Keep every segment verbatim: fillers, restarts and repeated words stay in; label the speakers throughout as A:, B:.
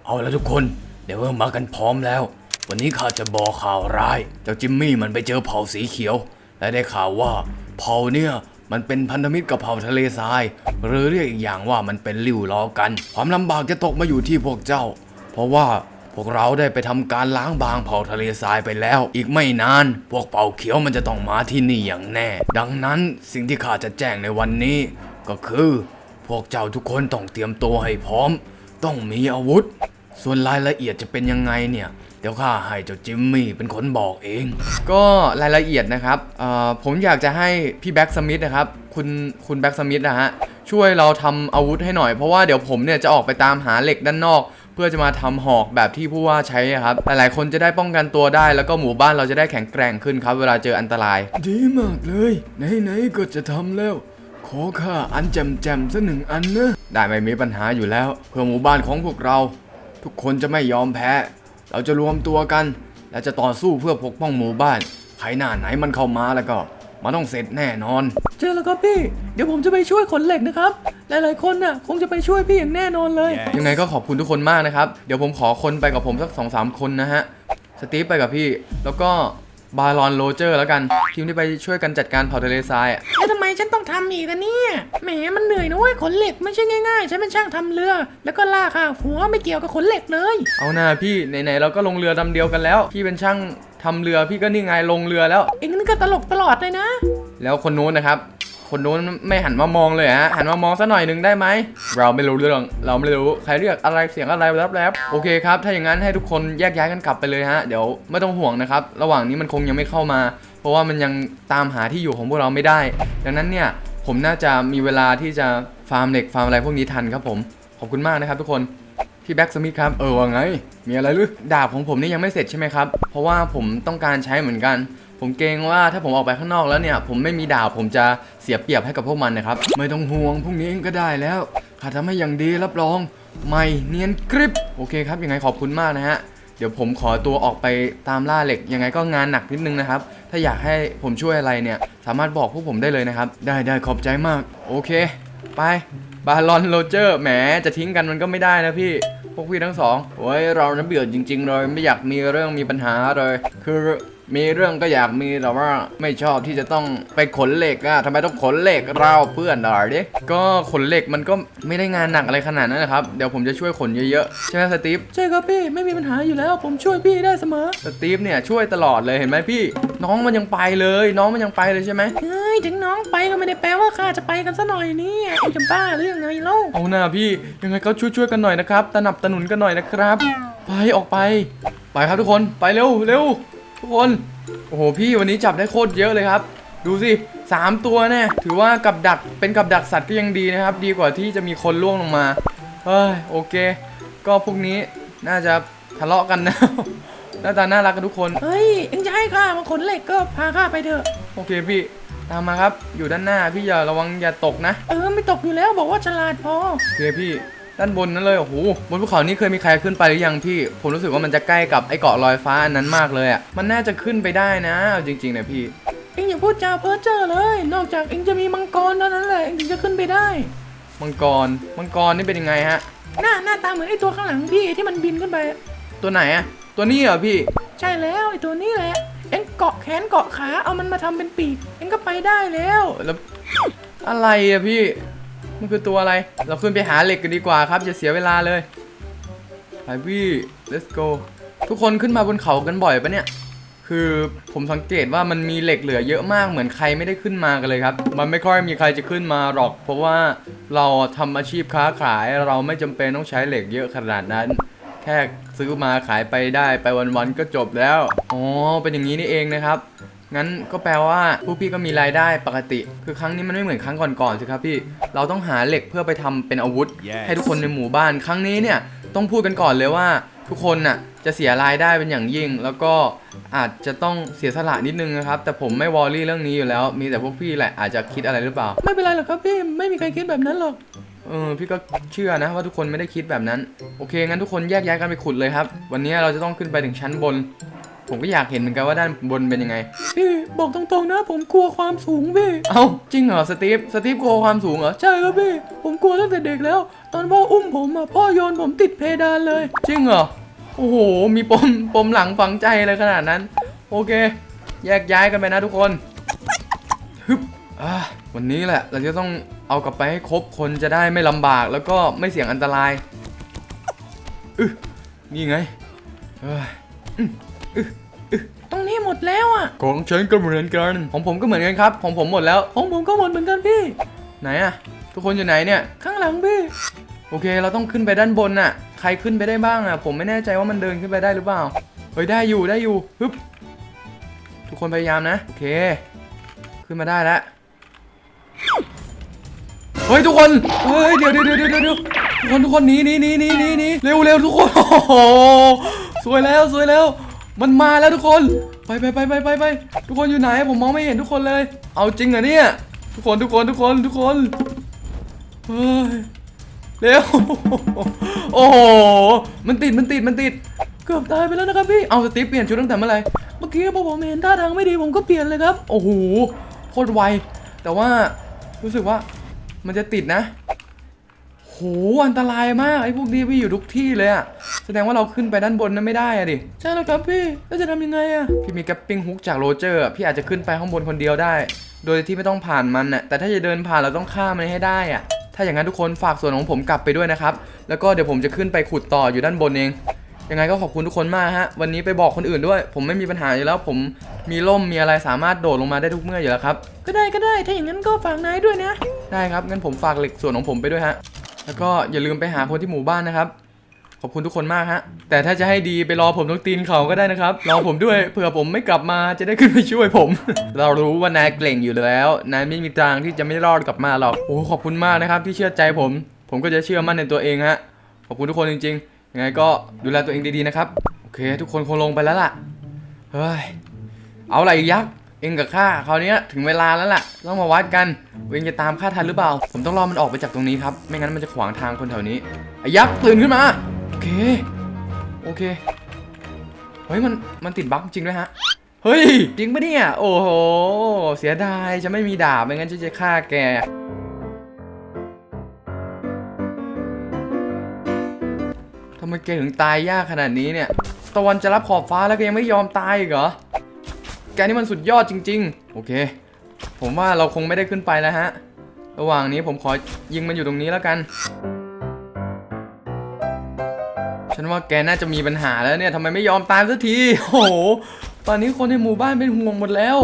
A: เอาละทุกคนเดี๋ยวเมื่อมากันพร้อมแล้ววันนี้ข้าจะบอกข่าวร้ายเจ้าจิมมี่มันไปเจอเผ่าสีเขียวและได้ข่าวว่าเผ่าเนี่ยมันเป็นพันธมิตรกับเผ่าทะเลทรายหรือเรียกอีกอย่างว่ามันเป็นลิ่วล้อกันความลำบากจะตกมาอยู่ที่พวกเจ้าเพราะว่าพวกเราได้ไปทำการล้างบางเผ่าทะเลทรายไปแล้วอีกไม่นานพวกเผ่าเขียวมันจะต้องมาที่นี่อย่างแน่ดังนั้นสิ่งที่ข้าจะแจ้งในวันนี้ก็คือพวกเจ้าทุกคนต้องเตรียมตัวให้พร้อมต้องมีอาวุธส่วนรายละเอียดจะเป็นยังไงเนี่ยเดี๋ยวข้าให้เจ้าจิมมี่เป็นคนบอกเองก็รายละเอียดนะครับเอ่อผมอยากจะให้พี่แบ็กสมิธนะครับคุณคุณแบ็กสมิธนะฮะช่วยเราทำอาวุธให้หน่อยเพราะว่าเดี๋ยวผมเนี่ยจะออกไปตามหาเหล็กด้านนอกเพื่อจะมาทำหอกแบบที่ผู้ว่าใช้ครับหลายๆคนจะได้ป้องกันตัวได้แล้วก็หมู่บ้านเราจะได้แข็งแกร่งขึ้นครับเวลาเจออันตรายดีมากเลยไหนๆก็จะทำแล้วขอข้าอันแจมๆสักหนึ่งอันนะได้ไม่มีปัญหาอยู่แล้วเพื่อหมู่บ้านของพวกเราทุกคนจะไม่ยอมแพ้เราจะรวมตัวกันและจะต่อสู้เพื่อปกป้องหมู่บ้านใครหน้าไหนมันเข้ามาแล้วก็มันต้องเสร็จแน่นอน
B: เจอแล้วครับพี่เดี๋ยวผมจะไปช่วยขนเหล็กนะครับหลายๆคนน่ะคงจะไปช่วยพี่อย่างแน่นอนเลย
A: yes. ยังไงก็ขอบคุณทุกคนมากนะครับเดี๋ยวผมขอคนไปกับผมสัก สองสาม คนนะฮะสตีฟไปกับพี่แล้วก็บารอนโรเจอร์แล้วกันทีมที่ไปช่วยกันจัดการเผ่าทะเลทรายอ่ะ
B: แล้วทำไมฉันต้องทำอีกอะเนี่ยแหมมันเหนื่อยนะเว้ยขนเหล็กไม่ใช่ง่ายๆฉันเป็นช่างทำเรือแล้วก็ลากค่ะหัวไม่เกี่ยวกับขนเหล็กเลย
A: เอาหน้าพี่ไหนๆเราก็ลงเรือลำเดียวกันแล้วพี่เป็นช่างทำเรือพี่ก็นี่ไงลงเรือแล้ว
B: เอ็งนี่ก็ตลกตลอดเลยนะ
A: แล้วคนนู้นนะครับคนนู้นไม่หันมามองเลยฮะหันมามองสักหน่อยหนึ่งได้ไหมเราไม่รู้เรื่องเราไม่รู้ใครเรียกอะไรเสียงอะไรแลบๆโอเคครับถ้าอย่างนั้นให้ทุกคนแยกย้ายกันกลับไปเลยฮะเดี๋ยวไม่ต้องห่วงนะครับระหว่างนี้มันคงยังไม่เข้ามาเพราะว่ามันยังตามหาที่อยู่ของพวกเราไม่ได้ดังนั้นเนี่ยผมน่าจะมีเวลาที่จะฟาร์มเหล็กฟาร์มอะไรพวกนี้ทันครับผมขอบคุณมากนะครับทุกคนพี่แบ็กสมิธครับเออว่าไงมีอะไรหรือดาบของผมนี่ยังไม่เสร็จใช่ไหมครับเพราะว่าผมต้องการใช้เหมือนกันผมเกรงว่าถ้าผมออกไปข้างนอกแล้วเนี่ยผมไม่มีดาบผมจะเสียเปรียบให้กับพวกมันนะครับไม่ต้องห่วงพรุ่งนี้เองก็ได้แล้วข้าทำให้อย่างดีรับรองไม่เนียนกริบโอเคครับยังไงขอบคุณมากนะฮะเดี๋ยวผมขอตัวออกไปตามล่าเหล็กยังไงก็งานหนักนิดนึงนะครับถ้าอยากให้ผมช่วยอะไรเนี่ยสามารถบอกพวกผมได้เลยนะครับได้ได้ขอบใจมากโอเคไปบารอนโรเจอร์แหมจะทิ้งกันมันก็ไม่ได้นะพี่พวกพี่ทั้งสองโอ้ยเราน้ำเบื่อจริงๆเลยไม่อยากมีเรื่องมีปัญหาเลยคือมีเรื่องก็อยากมีแต่ว่าไม่ชอบที่จะต้องไปขนเหล็กอะทำไมต้องขนเหล็กเราเพื่อนหน่อยดิก็ขนเหล็กมันก็ไม่ได้งานหนักอะไรขนาดนั้นนะครับเดี๋ยวผมจะช่วยขนเยอะๆใช่ไหมสตีฟ
B: ใช่ครับพี่ไม่มีปัญหาอยู่แล้วผมช่วยพี่ได้เสมอ
A: สตีฟเนี่ยช่วยตลอดเลยเห็นไหมพี่น้องมันยังไปเลยน้องมันยังไปเลยใช่ไหม
B: เฮ้ยถึงน้องไปก็ไม่ได้แปลว่าข้าจะไปกันซะหน่อยนี่ไอ้จะบ้าหรือยังไงเล่า
A: เอาหน้าพี่ยังไงก็ช่วยๆกันหน่อยนะครับตะหนับตะหนุนกันหน่อยนะครับไปออกไปไปครับทุกคนไปเร็วเร็วทุกคนโอ้โหพี่วันนี้จับได้โคตรเยอะเลยครับดูสิสามตัวเนี่ยถือว่ากับดักเป็นกับดักสัตว์ก็ยังดีนะครับดีกว่าที่จะมีคนล่วงลงมาเฮ้ยโอเคก็พวกนี้น่าจะทะเลาะกันนะหน้าตาน่ารักกันทุกคน
B: เฮ้ยเอ็งจะให้ข้ามาขนเหล็กก็พาข้าไปเถอะ
A: โอเคพี่ตามมาครับอยู่ด้านหน้าพี่อย่าระวังอย่าตกนะ
B: เออไม่ตกอยู่แล้วบอกว่าฉลาดพอ
A: โอเคพี่ด้านบนนั้นเลยโอ้โหบนภูเขานี้เคยมีใครขึ้นไปหรือยังพี่ผมรู้สึกว่ามันจะใกล้กับไอ้เกาะลอยฟ้าอันนั้นมากเลยอ่ะมันน่าจะขึ้นไปได้นะจริงๆนะพี่
B: เอ็งอย่าพูดจาเพ้อเจ้อเลยนอกจากเอ็งจะมีมังกรเท่านั้นแหละเอ็งถึงจะขึ้นไปได้
A: มังกรมังกรนี่เป็นยังไงฮะ
B: หน้าหน้าตาเหมือนไอ้ตัวข้างหลังพี่ที่มันบินขึ้นไป
A: ตัวไหนอ่ะตัวนี้เหรอพี่
B: ใช่แล้วไอ้ตัวนี้แหละเอ็งเกาะแขนเกาะขาเอามันมาทำเป็นปีกเอ็งก็ไปได้แล้ว
A: แล้วอะไรอะพี่มันคือตัวอะไรเราขึ้นไปหาเหล็กกันดีกว่าครับอย่าเสียเวลาเลยไปพี่ let's go ทุกคนขึ้นมาบนเขากันบ่อยปะเนี่ยคือผมสังเกตว่ามันมีเหล็กเหลือเยอะมากเหมือนใครไม่ได้ขึ้นมากันเลยครับมันไม่ค่อยมีใครจะขึ้นมาหรอกเพราะว่าเราทำอาชีพค้าขายเราไม่จำเป็นต้องใช้เหล็กเยอะขนาดนั้นแค่ซื้อมาขายไปได้ไปวันๆก็จบแล้วอ๋อเป็นอย่างนี้นี่เองนะครับงั้นก็แปลว่าผู้พี่ก็มีรายได้ปกติคือครั้งนี้มันไม่เหมือนครั้งก่อนๆสิครับพี่เราต้องหาเหล็กเพื่อไปทำเป็นอาวุธ yes. ให้ทุกคนในหมู่บ้านครั้งนี้เนี่ยต้องพูดกันก่อนเลยว่าทุกคนน่ะจะเสียรายได้เป็นอย่างยิ่งแล้วก็อาจจะต้องเสียสละนิดนึงนะครับแต่ผมไม่วอรี่เรื่องนี้อยู่แล้วมีแต่พวกพี่แหละอาจจะคิดอะไรหรือเปล่า
B: ไม่เป็นไรหรอกครับพี่ไม่มีใครคิดแบบนั้นหรอก
A: เออพี่ก็เชื่อนะว่าทุกคนไม่ได้คิดแบบนั้นโอเคงั้นทุกคนแยกย้ายกันไปขุดเลยครับวันนี้เราจะต้องขึ้นไปถึงชั้นบนผมก็อยากเห็นเหมือนกันว่าด้านบนเป็นยังไง
B: พี่บอกตรงๆนะผมกลัวความสูงพี่
A: เอ้าจริงเหรอสตีฟสตีฟกลัวความสูงเหรอ
B: ใช่ครับพี่ผมกลัวตั้งแต่เด็กแล้ว ตอนพ่ออุ้มผมอ่ะพ่อโยนผมติดเพดานเลย
A: จริงเหรอโอ้โหมีปมปมหลังฝังใจเลยขนาดนั้นโอเคแยกย้ายกันไปนะทุกคนฮึบอ่าวันนี้แหละเราจะต้องเอากลับไปให้ครบคนจะได้ไม่ลำบากแล้วก็ไม่เสี่ยงอันตรายอึนี่ไงเอ้ย
B: ตรงนี้หมดแล้วอ่ะ
A: ของฉันก็เหมือนกันของผมก็เหมือนกันครับของผมหมดแล้ว
B: ของผมก็หมดเหมือนกันพี่
A: ไหนอะทุกคนอยู่ไหนเนี่ย
B: ข้างหลังพี่
A: โอเคเราต้องขึ้นไปด้านบนน่ะใครขึ้นไปได้บ้างอะผมไม่แน่ใจว่ามันเดินขึ้นไปได้หรือเปล่าเฮ้ยได้อยู่ได้อยู่ฮึบทุกคนพยายามนะโอเคขึ้นมาได้แล้วเฮ้ยทุกคนเฮ้ยเดี๋ยวเดี๋ยวเดี๋ยวเดี๋ยวเดี๋ยวทุกคนทุกคนหนีหนีหนีหนีหนีหนีเร็วเร็วทุกคนโอ้โหสวยแล้วสวยแล้วมันมาแล้วทุกคนไปไปไปไปไปไปทุกคนอยู่ไหนผมมองไม่เห็นทุกคนเลยเอาจริงเหรอเนี่ยทุกคนทุกคนทุกคนทุกคนเฮ้ยเร็วโอ้โหมันติดมันติดมันติด
B: เกือบตายไปแล้วนะครับพี่
A: เอาสตีฟเปลี่ยนชุดตั้งแต่เมื่อไหร่
B: เมื่อกี้พอผมเห็นท่าทางไม่ดีผมก็เปลี่ยนเลยครับ
A: โอ้โหโคตรไวแต่ว่ารู้สึกว่ามันจะติดนะโหอันตรายมากไอ้พวกนี้พี่อยู่ทุกที่เลยอะแสดงว่าเราขึ้นไปด้านบนนั้นไม่ได้อะดิ
B: ใช่แล้วครับพี่แล้วจะทำยังไงอะ
A: พี่มีแกปปิ้งฮุกจากโรเจอร์อะพี่อาจจะขึ้นไปข้างบนคนเดียวได้ โดยที่ไม่ต้องผ่านมันน่ะแต่ถ้าจะเดินผ่านเราต้องข้ามมันให้ได้อะถ้าอย่างนั้นทุกคนฝากส่วนของผมกลับไปด้วยนะครับแล้วก็เดี๋ยวผมจะขึ้นไปขุดต่ออยู่ด้านบนเองยังไงก็ขอบคุณทุกคนมากฮะวันนี้ไปบอกคนอื่นด้วย ผมไม่มีปัญหาอยู่แล้วผมมีร่มมีอะไรสามารถโดดลงมาได้ทุกเมื่ออยู่แล้วครับ
B: ก็ได้ก็ได้ถ้าอย่างนั้นก็ฝากนายด้วยนะ
A: ได้ครับงั้นผมฝากเหล็กส่วนของผมไปด้วยฮะแล้วก็อย่าลืมไปหาคนที่หมู่บ้านนะครับขอบคุณทุกคนมากฮะแต่ถ้าจะให้ดีไปรอผมตรงตีนเขาก็ได้นะครับรอผมด้วยเผื่อผมไม่กลับมาจะได้ขึ้นไปช่วยผม เรารู้ว่านายเก่งอยู่แล้วนายไม่มีทางที่จะไม่รอดกลับมาหรอกโอ้ขอบคุณมากนะครับที่เชื่อใจผม ผมก็จะเชื่อมั่นในตัวเองฮะขอบคุณทุกคนจริงๆยังไงก็ดูแลตัวเองดีๆนะครับโอเคทุกคนคงลงไปแล้วล่ะเฮ้ยเอาอะไรยักษ์เองกับข้าคราวนี้ถึงเวลาแล้วล่ะต้องมาวัดกันเองจะตามข้าทันหรือเปล่าผมต้องรอมันออกไปจากตรงนี้ครับไม่งั้นมันจะขวางทางคนแถวนี้ไอ้ยักษ์ตื่นขึ้นมาโอเคโอเคเฮ้ยมันมันติดบั๊กจริงด้วยฮะเฮ้ยจริงปะเนี่ยโอ้โหเสียดายจะไม่มีดาบไม่งั้นฉันจะฆ่าแกทำไมแกถึงตายยากขนาดนี้เนี่ยตะวันจะรับขอบฟ้าแล้วก็ยังไม่ยอมตายอีกเหรอแกนี่มันสุดยอดจริงๆโอเคผมว่าเราคงไม่ได้ขึ้นไปแล้วฮะระหว่างนี้ผมขอยิงมันอยู่ตรงนี้แล้วกันฉันว่าแกน่าจะมีปัญหาแล้วเนี่ยทำไมไม่ยอมตายสักทีโอ้โหตอนนี้คนในหมู่บ้านเป็นห่วงหมดแล้ว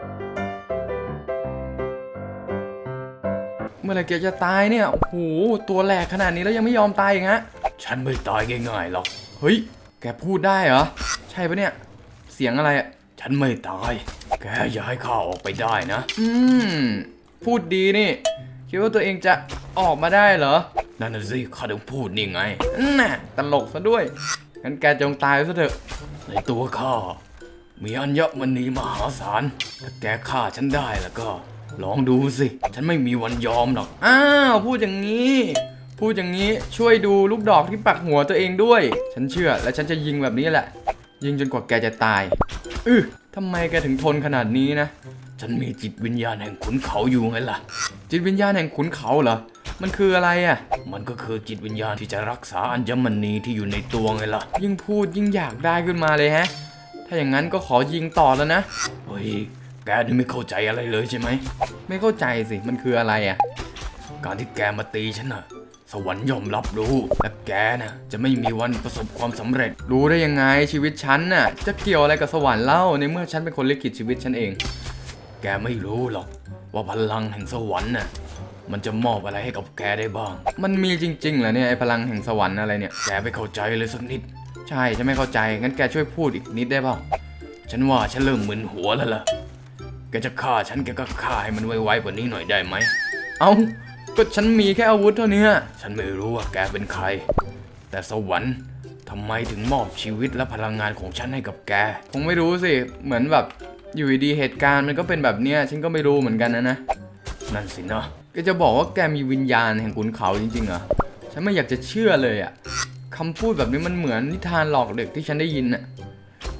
A: เมื่อไหร่แกจะตายเนี่ยโอ้โหตัวแหลกขนาดนี้แล้วยังไม่ยอมตายอีกฮะฉันไม่ตายง่ายๆหรอกเฮ้ยแกพูดได้เหรอใช่ปะเนี่ยเสียงอะไรอะฉันไม่ตายแกอย่าให้ข้าออกไปได้นะอืมพูดดีนี่คิดว่าตัวเองจะออกมาได้เหรอนั่นน่ะสิข้าต้องพูดนี่ไงน่ะตลกซะด้วยงั้นแกจงตายซะเถอะในตัวข้ามีอัญมณีมหาศาลถ้าแกฆ่าฉันได้แล้วก็ลองดูสิฉันไม่มีวันยอมหรอกอ้าวพูดอย่างนี้พูดอย่างนี้ช่วยดูลูกดอกที่ปักหัวตัวเองด้วยฉันเชื่อและฉันจะยิงแบบนี้แหละยิงจนกว่าแกจะตายอือทำไมแกถึงทนขนาดนี้นะฉันมีจิตวิญญาณแห่งขุนเขาอยู่ไงล่ะจิตวิญญาณแห่งขุนเขาเหรอมันคืออะไรอ่ะมันก็คือจิตวิญญาณที่จะรักษาอัญมณีที่อยู่ในตัวไงล่ะยิ่งพูดยิ่งอยากได้ขึ้นมาเลยฮะถ้าอย่างนั้นก็ขอยิงต่อแล้วนะเฮ้ยแกนี่ไม่เข้าใจอะไรเลยใช่ไหมไม่เข้าใจสิมันคืออะไรอ่ะการที่แกมาตีฉันน่ะสวรรค์ยอมรับรู้และแกน่ะจะไม่มีวันประสบความสำเร็จรู้ได้ยังไงชีวิตฉันน่ะจะเกี่ยวอะไรกับสวรรค์เล่าในเมื่อฉันเป็นคนลิขิตชีวิตฉันเองแกไม่รู้หรอกว่าพลังแห่งสวรรค์น่ะมันจะมอบอะไรให้กับแกได้บ้างมันมีจริงๆเหรอเนี่ยไอ้พลังแห่งสวรรค์อะไรเนี่ยแกไม่เข้าใจเลยสักนิดใช่ฉันไม่เข้าใจงั้นแกช่วยพูดอีกนิดได้เปล่าฉันว่าฉันเริ่มมึนหัวแล้วล่ะแกจะฆ่าฉันแกก็ฆ่าให้มันไวๆกว่านี้หน่อยได้ไหมเอ้าก็ฉันมีแค่อาวุธเท่านี้ฉันไม่รู้ว่าแกเป็นใครแต่สวรรค์ทำไมถึงมอบชีวิตและพลังงานของฉันให้กับแกคงไม่รู้สิเหมือนแบบอยู่ดีเหตุการณ์มันก็เป็นแบบเนี้ยฉันก็ไม่รู้เหมือนกันนะนะนั่นสินะแกจะบอกว่าแกมีวิญญาณแห่งขุนเขาจริงๆเหรอฉันไม่อยากจะเชื่อเลยอะคำพูดแบบนี้มันเหมือนนิทานหลอกเด็กที่ฉันได้ยินอะ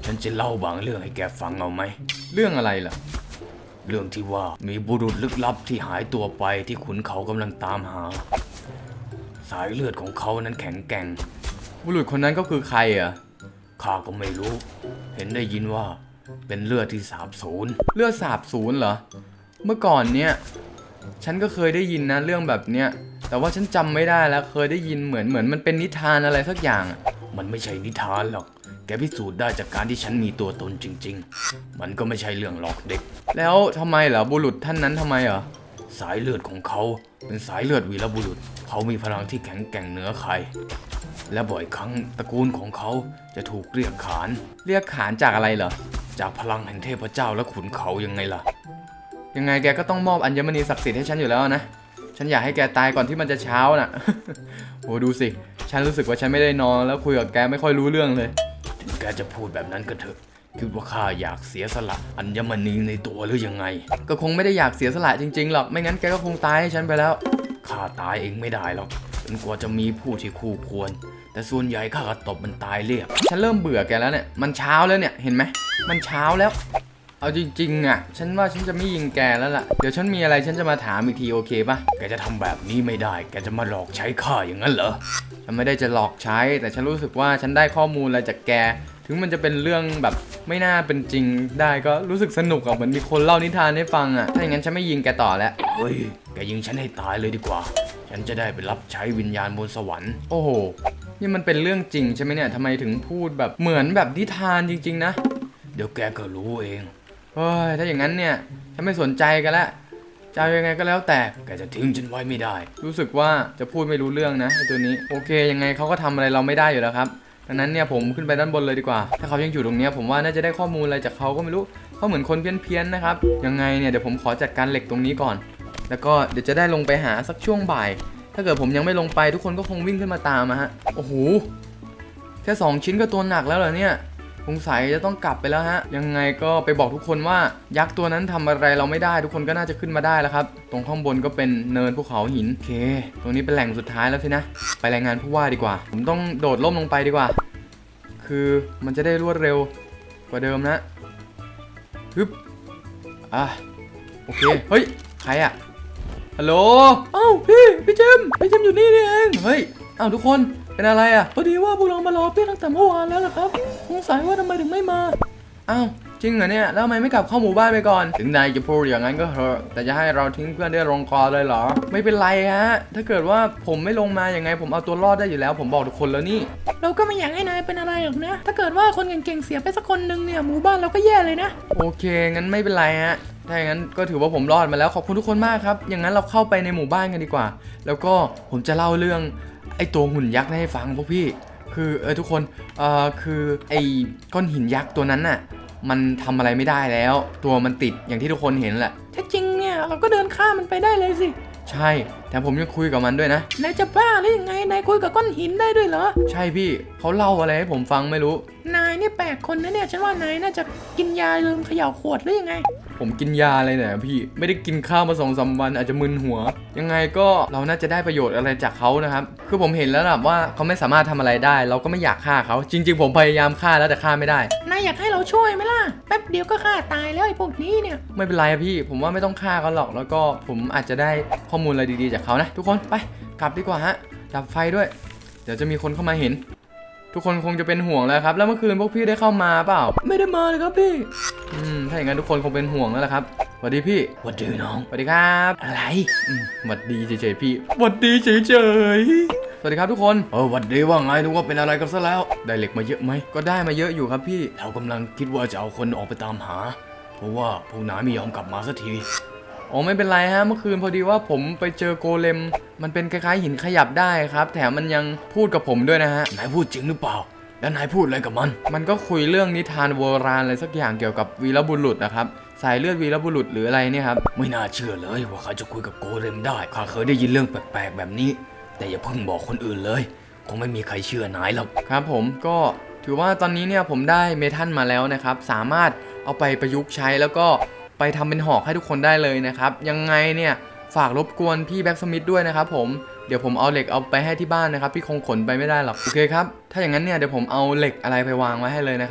C: ฉันจะเล่าบางเรื่องให้แกฟังเอาไหม
A: เรื่องอะไรล่ะ
C: เรื่องที่ว่ามีบุรุษลึกลับที่หายตัวไปที่ขุนเขากำลังตามหา สายเลือดของเขานั้นแข็งแกร่ง
A: บุรุษคนนั้นก็คือใครอ่ะ
C: ข้าก็ไม่รู้ เห็นได้ยินว่าเป็นเลือดที่สาบสูญ
A: เลือดสาบสูญเหรอ เมื่อก่อนเนี่ยฉันก็เคยได้ยินนะเรื่องแบบเนี้ยแต่ว่าฉันจำไม่ได้แล้วเคยได้ยินเหมือนเหมือนมันเป็นนิทานอะไรสักอย่างอะ
C: มันไม่ใช่นิทานหรอก แกพิสูจน์ได้จากการที่ฉันมีตัวตนจริงๆ มันก็ไม่ใช่เรื่องหลอกเด็ก
A: แล้วทำไมเหรอบุรุษท่านนั้นทำไมเหรอ
C: สายเลือดของเขาเป็นสายเลือดวีรบุรุษ เขามีพลังที่แข็งแกร่งเหนือใคร และบ่อยครั้งตระกูลของเขาจะถูกเรียกขาน
A: เรียกขานจากอะไรเหรอ
C: จากพลังแห่งเทพเจ้าและขุนเขายังไงล่ะ
A: ยังไงแกก็ต้องมอบอัญมณีศักดิ์สิทธิ์ให้ฉันอยู่แล้วนะฉันอยากให้แกตายก่อนที่มันจะเช้าน่ะ โหดูสิฉันรู้สึกว่าฉันไม่ได้นอนแล้วคุยกับแกไม่ค่อยรู้เรื่องเลย
C: ถึงแกจะพูดแบบนั้นก็เถอะคิดว่าข้าอยากเสียสละอัญมณีในตัวหรือยังไง
A: ก็คงไม่ได้อยากเสียสละจริงๆหรอกไม่งั้นแกก็คงตายให้ฉันไปแล้ว
C: ข้าตายเองไม่ได้หรอกจนกว่าจะมีผู้ที่คู่ควร แต่ส่วนใหญ่ข้าก็ตบมันตายเรียบ
A: ฉันเริ่มเบื่อแกแล้วเนี่ยมันเช้าแล้วเนี่ยเห็นไหมมันเช้าแล้ว เอาจริงๆอ่ะฉันว่าฉันจะไม่ยิงแกแล้วล่ะเดี๋ยวฉันมีอะไรฉันจะมาถามอีกทีโอเคปะ
C: แกจะทำแบบนี้ไม่ได้ แกจะมาหลอกใช้ข้าอย่างนั้นเหรอ
A: ฉันไม่ได้จะหลอกใช้ แต่ฉันรู้สึกว่าฉันได้ข้อมูลอะไรจากแก ถึงมันจะเป็นเรื่องแบบไม่น่าเป็นจริงได้ก็รู้สึกสนุกอ่ะเหมือนมีคนเล่านิทานให้ฟังอ่ะถ้าอย่างนั้นฉันไม่ยิงแกต่อแล้ว
C: เฮ้ย แกยิงฉันให้ตายเลยดีกว่า ฉันจะได้ไปรับใช้วิญญาณบนสวรรค์
A: โอ้โหนี่มันเป็นเรื่องจริงใช่ไหมเนี่ยทำไมถึงพูดแบบเหมือนแบบนิทานจริงๆนะ
C: เดี๋ยวแกก็รู้เอง
A: เฮ้ยถ้าอย่างนั้นเนี่ยฉันไม่สนใจกันแล้วจะเอายังไงก็แล้วแต่
C: แกจะทิ้งฉันไว้ไม่ได้
A: รู้สึกว่าจะพูดไม่รู้เรื่องนะไอ้ตัวนี้โอเคยังไงเขาก็ทำอะไรเราไม่ได้อยู่แล้วครับดังนั้นเนี่ยผมขึ้นไปด้านบนเลยดีกว่า ถ้าเขายังอยู่ตรงเนี้ยผมว่าน่าจะได้ข้อมูลอะไรจากเขาก็ไม่รู้เขาเหมือนคนเพี้ยนๆนะครับยังไงเนี่ยเดี๋ยวผมขอจัดการเหล็กตรงนี้ก่อน แล้วก็เดี๋ยวจะได้ลงไปหาสักช่วงบ่าย ถ้าเกิดผมยังไม่ลงไปทุกคนก็คงวิ่งขึ้นมาตามมาฮะโอ้โหแค่สองชิ้นก็ตัวหนักแล้วเหรอเนี่ยสงสัยจะต้องกลับไปแล้วฮะยังไงก็ไปบอกทุกคนว่ายักษ์ตัวนั้นทำอะไรเราไม่ได้ทุกคนก็น่าจะขึ้นมาได้แล้วครับตรงข้างบนก็เป็นเนินภูเขาหินโอเคตรงนี้เป็นแหล่งสุดท้ายแล้วสินะไปรายงานผู้ว่าดีกว่า ผมต้องโดดร่มลงไปดีกว่า คือมันจะได้รวดเร็วกว่าเดิมนะฮึบอ่ะโอเคเฮ้ยใครอะฮัลโหลเอ้าพี่พี่เจมพี่เจมอยู่นี่นี่เองเฮ้ยเอ้าทุกคนเป็นอะไรอะพอดีว่าพวกเรามารอพี่ตั้งแต่เมื่อวานแล้วล่ะครับสงสัยว่าทำไมถึงไม่มาเอ้าจริงเหรอเนี่ยแล้วทำไมไม่กลับเข้าหมู่บ้านไปก่อนถึงนายจะพูดอย่างนั้นก็เถอะแต่จะให้เราทิ้งเพื่อนได้ลงคอเลยเหรอไม่เป็นไรฮะถ้าเกิดว่าผมไม่ลงมาอย่างไงผมเอาตัวรอดได้อยู่แล้วผมบอกทุกคนแล้วนี่
B: เราก็ไม่อยากให้นายเป็นอะไรหรอกนะ ถ้าเกิดว่าคนเก่งๆเสียไปสักคนหนึ่งเนี่ยหมู่บ้านเราก็แย่เลยนะ
A: โอเคงั้นไม่เป็นไรฮะถ้าอย่างนั้นก็ถือว่าผมรอดมาแล้วขอบคุณทุกคนมากครับอย่างนั้นเราเข้าไปในหมู่บ้านกันดีกว่า แล้วก็ผมจะเล่าเรื่องไอ้ตัวหุ่นยักษ์ให้ฟังพวกพี่คือเออทุกคนเอ่อคือไอ้ก้อนหินยักษ์ตัวนั้นน่ะมันทำอะไรไม่ได้แล้ว ตัวมันติดอย่างที่ทุกคนเห็นแหละ
B: ถ้าจริงเนี่ยเราก็เดินข้ามมันไปได้เลยสิ
A: ใช่แต่ผมยังคุยกับมันด้วยนะ
B: นายจะบ้าหรือยังไง นายคุยกับก้อนหินได้ด้วยเหรอ
A: ใช่พี่เขาเล่าอะไรให้ผมฟังไม่รู้
B: นายนี่แปลกคนนะเนี่ยฉันว่านายน่าจะกินยาลืมเขย่าขวดหรือยังไง
A: ผมกินยาอะไรเนี่ยพี่ไม่ได้กินข้าวมาสองสามวันอาจจะมึนหัว ยังไงก็เราน่าจะได้ประโยชน์อะไรจากเขานะครับคือผมเห็นแล้วนะว่าเขาไม่สามารถทำอะไรได้ เราก็ไม่อยากฆ่าเขาจริงๆผมพยายามฆ่าแล้วแต่ฆ่าไม่ได้
B: นายอยากให้เราช่วยไหมล่ะ แป๊บเดียวก็ฆ่าตายแล้วไอ้พวกนี้เนี่ย
A: ไม่เป็นไรอะพี่ผมว่าไม่ต้องฆ่าเขาหรอกแล้วก็ผมอาจจะได้ข้อมูลอะไรดีๆจากเขานะทุกคนไปกลับดีกว่าฮะดับไฟด้วย เดี๋ยวจะมีคนเข้ามาเห็น ทุกคนคงจะเป็นห่วงแล้วครับแล้วเมื่อคืนพวกพี่ได้เข้ามาเปล่าไม่ได้มาเลยครับพี่อืมถ้าอย่างนั้นทุกคนคงเป็นห่วงแล้วล่ะครับสวัสดีพี่
C: สวัสดีน้อง
A: สวัสดีครับ
C: อะไร
A: อืมสวัสดีเฉยๆพี่สวัสดีเฉยๆสวัสดีครับทุกคน
C: เออหวัดดีว่าไงนึกว่าเป็นอะไรกันซะแล้ว
A: ได้เหล็กมาเยอะไหมก็ได้มาเยอะอยู่ครับพี่
C: เรากำลังคิดว่าจะเอาคนออกไปตามหา เพราะว่าพวกนายไม่ยอมกลับมาสักที
A: อ๋อไม่เป็นไรฮะเมื่อคืนพอดีว่าผมไปเจอโกเลมมันเป็นคล้ายๆหินขยับได้ครับแถมมันยังพูดกับผมด้วยนะฮะ
C: นายพูดจริงหรือเปล่า แล้วนายพูดอะไรกับมัน
A: มันก็คุยเรื่องนิทานโบราณอะไรสักอย่างเกี่ยวกับวีรบุรุษนะครับสายเลือดวีรบุรุษหรืออะไรเนี่ยครับ
C: ไม่น่าเชื่อเลยว่าเขาจะคุยกับโกเลมได้ข้าเคยได้ยินเรื่องแปลกๆแบบนี้ แต่อย่าเพิ่งบอกคนอื่นเลยคงไม่มีใครเชื่อนายหรอก
A: ครับผมก็ถือว่าตอนนี้เนี่ยผมได้เมทัลมาแล้วนะครับสามารถเอาไปประยุกต์ใช้แล้วก็ไปทำเป็นหอกให้ทุกคนได้เลยนะครับยังไงเนี่ยฝากรบกวนพี่แบ็กสมิธด้วยนะครับผมเดี๋ยวผมเอาเหล็กเอาไปให้ที่บ้านนะครับพี่คงขนไปไม่ได้หรอกโอเคครับถ้าอย่างนั้นเนี่ยเดี๋ยวผมเอาเหล็กอะไรไปวางไว้ให้เลยนะครับ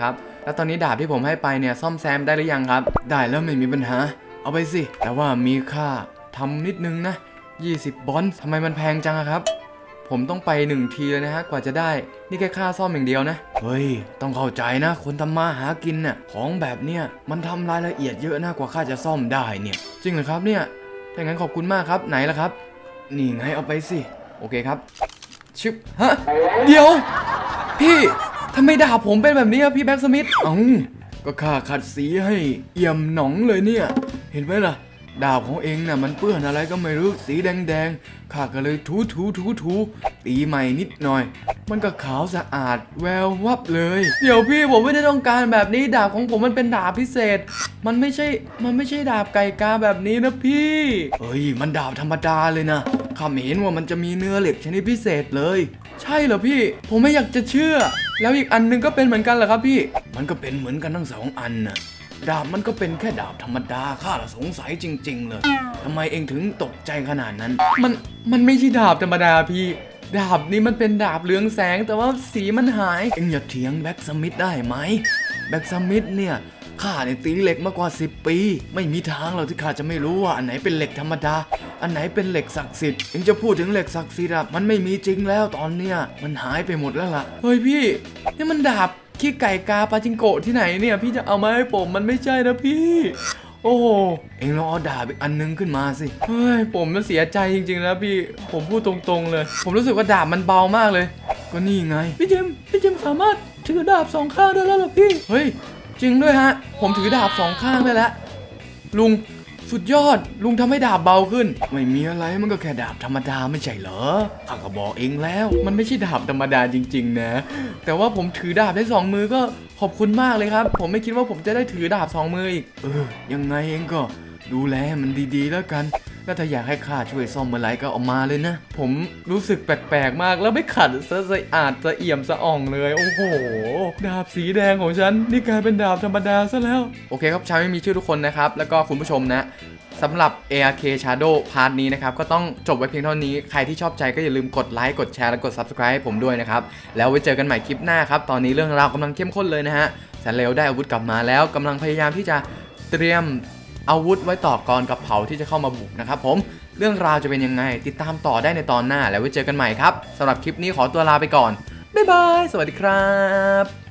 A: แล้วตอนนี้ดาบที่ผมให้ไปเนี่ยซ่อมแซมได้หรือยังครับได้แล้วไม่มีปัญหาเอาไปสิแต่ว่ามีค่าทำนิดนึงนะยี่สิบบอนซ์ทำไมมันแพงจังอะครับผมต้องไปหนึ่งทีเลยนะฮะกว่าจะได้นี่แค่ค่าซ่อมอย่างเดียวนะเฮ้ยต้องเข้าใจนะคนทำมาหากินน่ะของแบบเนี้ยมันทำรายละเอียดเยอะนะกว่าค่าจะซ่อมได้เนี่ยจริงเหรอครับเนี่ยถ้างั้นขอบคุณมากครับไหนล่ะครับนี่ไงเอาไปสิโอเคครับชึบฮะเดี๋ยวพี่ทำไมดาบผมเป็นแบบนี้อะพี่แบ็กสมิธเอ้าก็ข้าขัดสีให้เอี่ยมหนองเลยเนี่ยเห็นไหมล่ะดาบของเองน่ะมันเปื้อนอะไรก็ไม่รู้สีแดงๆข้าก็เลยถูถูถูถูตีใหม่นิดหน่อยมันก็ขาวสะอาดแวววับเลยเดี๋ยวพี่ผมไม่ได้ต้องการแบบนี้ดาบของผมมันเป็นดาบพิเศษมันไม่ใช่มันไม่ใช่ดาบไก่กาแบบนี้นะพี่เฮ้ยมันดาบธรรมดาเลยนะข้าไม่เห็นว่ามันจะมีเนื้อเหล็กชนิดพิเศษเลยใช่เหรอพี่ผมไม่อยากจะเชื่อแล้วอีกอันนึงก็เป็นเหมือนกันเหรอครับพี่มันก็เป็นเหมือนกันทั้งสองอันนะดาบมันก็เป็นแค่ดาบธรรมดาข้าละสงสัยจริงๆเลยทำไมเองถึงตกใจขนาดนั้นมันมันไม่ใช่ดาบธรรมดาพี่ดาบนี้มันเป็นดาบเรืองแสงแต่ว่าสีมันหายเองอย่าเถียงแบ็กสมิธได้ไหมแบ็กสมิธเนี่ยข้าเนี่ยตีเหล็กมากกว่าสิบปีไม่มีทางหรอกที่ข้าจะไม่รู้ว่าอันไหนเป็นเหล็กธรรมดาอันไหนเป็นเหล็กศักดิ์สิทธิ์เองจะพูดถึงเหล็กศักดิ์สิทธิ์อะมันไม่มีจริงแล้วตอนเนี้ยมันหายไปหมดแล้วล่ะเฮ้ยพี่นี่มันดาบขี้ไก่กาปาจิงโกะที่ไหนเนี่ยพี่จะเอามาให้ผมมันไม่ใช่นะพี่โอ้โหเอ็งลองเอาดาบอีกอันนึงขึ้นมาสิเฮ้ยผมมันเสียใจจริงๆนะพี่ผมพูดตรงๆเลยผมรู้สึกว่าดาบมันเบามากเลยก็นี่ไงพี่เจมพี่เจมสามารถถือดาบสองข้างได้แล้วหรอพี่เฮ้ยจริงด้วยฮะผมถือดาบสองข้างได้แล้วลุงสุดยอดลุงทำให้ดาบเบาขึ้นไม่มีอะไรมันก็แค่ดาบธรรมดาไม่ใช่เหรอข้าก็บอกเองแล้วมันไม่ใช่ดาบธรรมดาจริงๆนะแต่ว่าผมถือดาบได้สองมือก็ขอบคุณมากเลยครับผมไม่คิดว่าผมจะได้ถือดาบสองมืออีกเออยังไงเองก็ดูแลมันดีๆแล้วกันแล้วถ้าอยากให้ข้าช่วยซ่อมเมื่อไรก็เอามาเลยนะผมรู้สึกแปลกๆมากแล้วไม่ขัดสะอาดสะเอี่ยมสะอ่องเลยโอ้โหดาบสีแดงของฉันนี่กลายเป็นดาบธรรมดาซะแล้วโอเคครับชาวไม่มีชื่อทุกคนนะครับแล้วก็คุณผู้ชมนะสำหรับ เอ อาร์ เค Shadow พาร์ทนี้นะครับก็ต้องจบไว้เพียงเท่านี้ใครที่ชอบใจก็อย่าลืมกดไลค์กดแชร์และกด Subscribe ให้ผมด้วยนะครับแล้วไว้เจอกันใหม่คลิปหน้าครับตอนนี้เรื่องราวกำลังเข้มข้นเลยนะฮะแสนเลวได้อาวุธกลับมาแล้วกำลังพยายามที่จะเตรียมอาวุธไว้ต่อกรกับเผาที่จะเข้ามาบุกนะครับผมเรื่องราวจะเป็นยังไงติดตามต่อได้ในตอนหน้าแล้วไว้เจอกันใหม่ครับสำหรับคลิปนี้ขอตัวลาไปก่อนบ๊ายบายสวัสดีครับ